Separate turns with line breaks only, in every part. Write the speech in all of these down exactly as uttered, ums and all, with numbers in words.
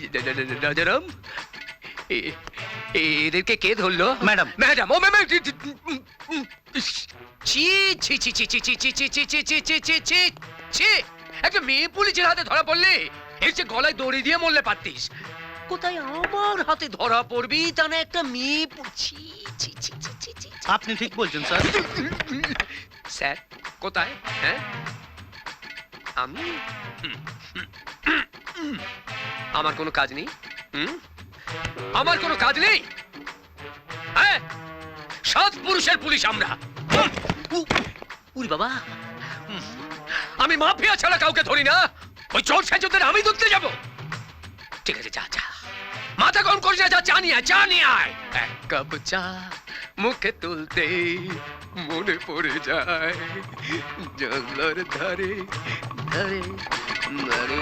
রাজারাম, এ- এদেরকে কে ধরলো?
Madam.
Madam, ও madam, ছি ছি ছি ছি ছি ছি ছি ছি ছি ছি ছি ছি ছি ছি ছি, একটা মেয়ে পুলিশের হাতে ধরা পড়লে এর চেয়ে গলায় দড়ি দিয়ে মরলে পারতিস। কোথায় আমার হাতে ধরা পড়বি তা না একটা মেয়ে পু- ছি ছি ছি ছি ছি ছি।
আপনি ঠিক বলছেন স্যার।
স্যার কোথায়? হ্যাঁ, আমি আমার কোনো কাজ নেই? হুম, আমার কোনো কাজ নেই? হ্যাঁ, সাত পুরুষের পুলিশ আমরা। হুম, উ- উরি বাবা, হুম, আমি মাফিয়া ছাড়া কাউকে ধরি না। ওই চোর সেজদের আমি ধরতে যাব? ঠিক আছে, যা যা, মাথা গরম করিস না, যা চা নিয়ে আয়, চা নিয়ে আয়। এক কাপ চা মুখে তুলতে মনে পড়ে যায় জঙ্গলের ধারে ধারে ধারে।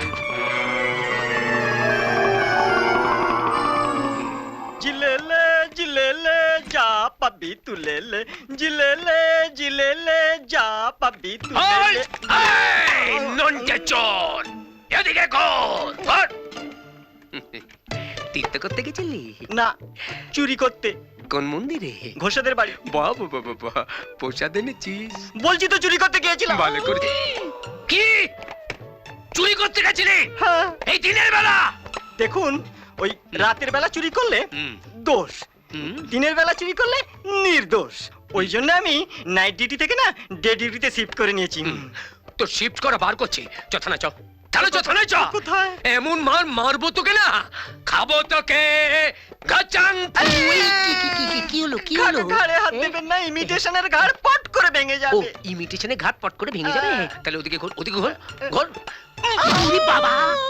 জিলেলে জিলেলে যা পাবি তুলেলে, জিলেলে জিলেলে যা পাবি
ওই,
তুলেলে।
এই, নন্টে চোর, এদিকে কর, ধর। তীর্থ করতে গেছিলি?
না, চুরি করতে।
কোন মন্দিরে?
ঘোষাদের বাড়ি।
বাবা বাবা বাবা, প্রসাদ এনেছিস?
বলছি তো চুরি করতে গিয়েছিলাম।
ভালো করে। কি চুরি করতে গেছিলি
হ্যাঁ,
এই দিনের বেলা?
দেখুন, ওই রাতের বেলা চুরি করলে
হুম,
দোষ,
হুম।
দিনের বেলা চুরি করলে নির্দোষ। ওই জন্য আমি নাইট ডিউটি থেকে না ডে ডিউটিতে শিফট করে নিয়েছি।
তো শিফট করা বার করছি, চথানা চ, তাহলে চথানা চ।
কোথায়?
এমন মার মারবো তোকে না, খাবো তোকে গাচাং। কি হলো কি হলো?
ঘাড়ে ঘাড়ে হাত দেবেন না, ইমিটেশনের ঘাড় পট করে ভেঙে
ও,
যাবে।
ইমিটেশনে ঘাট পট করে ভেঙে যাবে? তাহলে ওদিকে ঘোর, ওদিকে ঘোর, ঘোর। উরি বাবা,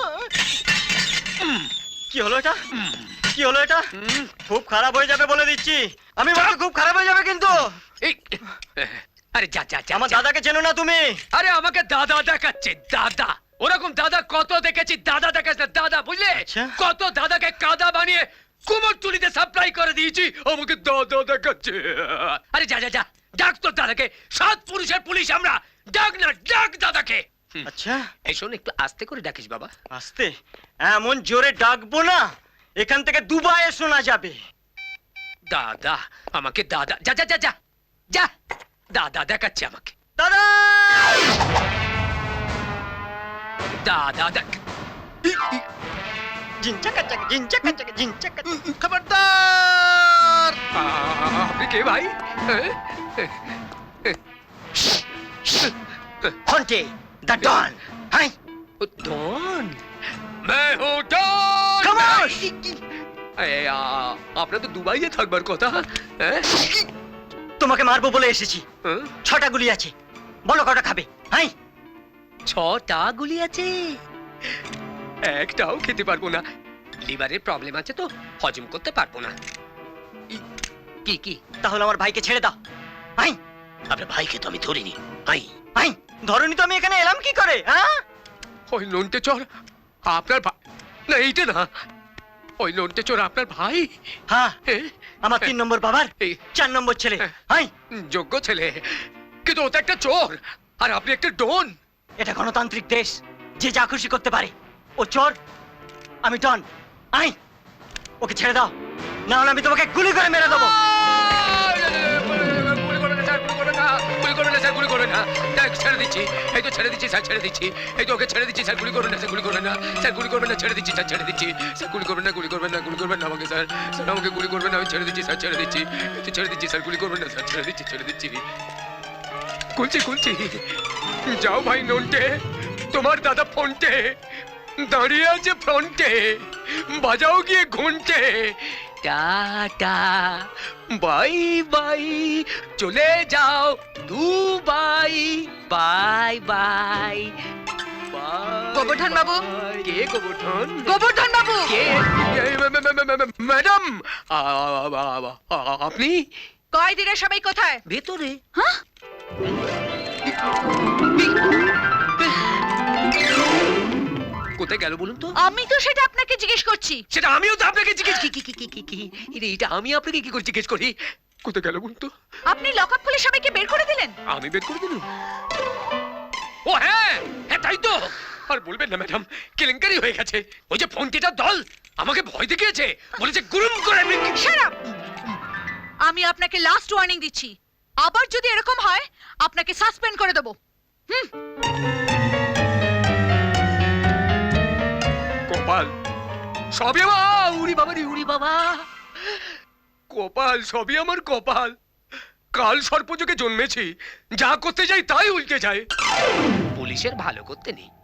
কি হলো এটা?
উম,
কি হলো এটা?
উম,
খুব খারাপ হয়ে যাবে বলে দিচ্ছি। আমি বলছি খুব খারাপ হয়ে যাবে কিন্তু।
এই, আরে যা যা যা,
আমার
যা।
দাদাকে চেনো না তুমি?
আরে আমাকে দাদা দেখাচ্ছে, দাদা। ওরকম দাদা কত দেখেছি, দাদা দেখাচ্ছে না, দাদা, বুঝলে?
আচ্ছা।
কত দাদাকে কাদা বানিয়ে কুমোরটুলিতে সাপ্লাই করে দিয়েছি, আমাকে দাদা দেখাচ্ছে। আরে যা যা যা, ডাক তোর দাদাকে, সাত পুরুষের পুলিশ আমরা, ডাক না, ডাক দাদাকে। হুম,
আচ্ছা,
এই শোন, একটু আস্তে করে ডাকিস বাবা।
আস্তে। এমন জোরে ডাকবো না এখান থেকে দুবাইয়ে শোনা যাবে।
দাদা, আমাকে দাদা, যা যা যা যা যা, দাদা দেখাচ্ছে আমাকে,
দাদা!
দাদা দেখ।
জিনচাকা চাকা, জিনচাকা চাকা, জিনচাকা চাকা।
খবরদার! আপনি কে ভাই?
হন্টে, দ্য ডন। Hi,
don? मैं हूँ डॉन!
খামোশ!
এই, আ, আপনার তো দুবাইয়ে থাকবার কথা। হ্যাঁ?
তোমাকে মারবো বলে এসেছি।
হ্যাঁ?
ছটা গুলি আছে, বলো কটা খাবে? হাই,
ছটা গুলি আছে, একটাও খেতে পারবো না। লিভারের প্রবলেম আছে তো, হজম করতে পারবো না। ই- কি কি?
তাহলে আমার ভাইকে ছেড়ে দাও। হাই,
আপনার ভাইকে তো আমি ধরিনি। আই,
হাই, ধরনি তো আমি এখানে এলাম কি করে? হ্যাঁ,
ওই নন্টে চোর আপনার ভাই? না, এইটা না, ওই নন্টে চোর আপনার ভাই?
হ্যাঁ,
এ,
আমার তিন নম্বর বাবার
এই,
চার নম্বর ছেলে। হাই,
যোগ্য ছেলে, কিন্তু ও তো একটা চোর, আর আপনি একটা ডন।
এটা গণতান্ত্রিক দেশ, যে যা খুশি করতে পারে। ও চোর, আমি ডন। আই, ওকে ছেড়ে দাও, না হলে আমি তোমাকে গুলি করে মেরে দেবো।
গুলি করবে না স্যার, গুলি করবে না, গুলি করবে না স্যার, গুলি করবে না। দেখ, ছেড়ে দিচ্ছি, এই তো ছেড়ে দিচ্ছি স্যার, ছেড়ে দিচ্ছি, এই তো ওকে ছেড়ে দিচ্ছি স্যার, গুলি করবে না স্যার, গুলি করবে না স্যার, গুলি করবে না, ছেড়ে দিচ্ছি স্যার, ছেড়ে দিচ্ছি স্যার, গুলি করবেন না, গুলি করবেন না, গুলি করবেন না আমাকে স্যার, স্যার আমাকে গুলি করবেন না, আমি ছেড়ে দিচ্ছি স্যার, ছেড়ে দিচ্ছি, এই তো ছেড়ে দিচ্ছি স্যার, গুলি করবেন না স্যার, ছেড়ে দিচ্ছি, ছেড়ে দিচ্ছি। খুলছি খুলছি, যাও ভাই নন্টে, তোমার দাদা ফোনটে দাঁড়িয়ে আছে ফ্রন্টে, বাজাও গিয়ে ঘন্টে। টাটা, বাই বাই, চলে যাও দুবাই, বাই বাই।
গোবর্ধন বাবু?
কে গোবর্ধন?
গোবর্ধন বাবু!
কে? এই, মে- মে- মে- মে- মে- ম্যাডাম, আ- আ- আ- আ- আপনি
কয়দিনে সবাই কোথায়?
ভেতরে?
হ্যাঁ?
কোথায় গেল বলুন তো?
আমি তো সেটা আপনাকে জিজ্ঞেস করছি।
সেটা আমিও তো আপনাকে জিজ্ঞেস কি কি কি কি কি কি এটা এটা আমি আপনাকে কি করে জিজ্ঞেস করি? কোথায় গেল বলুন তো?
আপনি লকআপ খুলে সবাইকে বের করে দিলেন।
আমি বের করে দিলাম। ও হ্যাঁ, হ্যাঁ তাই তো, আর বলবেন না ম্যাডাম, কেলেঙ্কারি হয়ে গেছে। ওই যে ফোনটিটার দল আমাকে ভয় দেখিয়েছে, বলেছে গুরুম করে আমি
Shut up! আমি আপনাকে লাস্ট ওয়ার্নিং দিচ্ছি, আবার যদি এরকম হয় আপনাকে সাসপেন্ড করে দেবো। হুম।
কপাল সবই আমার, উড়ি বাবা রে উড়ি বাবা, কপাল সবই আমার কপাল। কাল সর্পযোগে জন্মেছি, যা করতে যাই তাই উল্টে যায়। পুলিশের ভালো করতে নেই,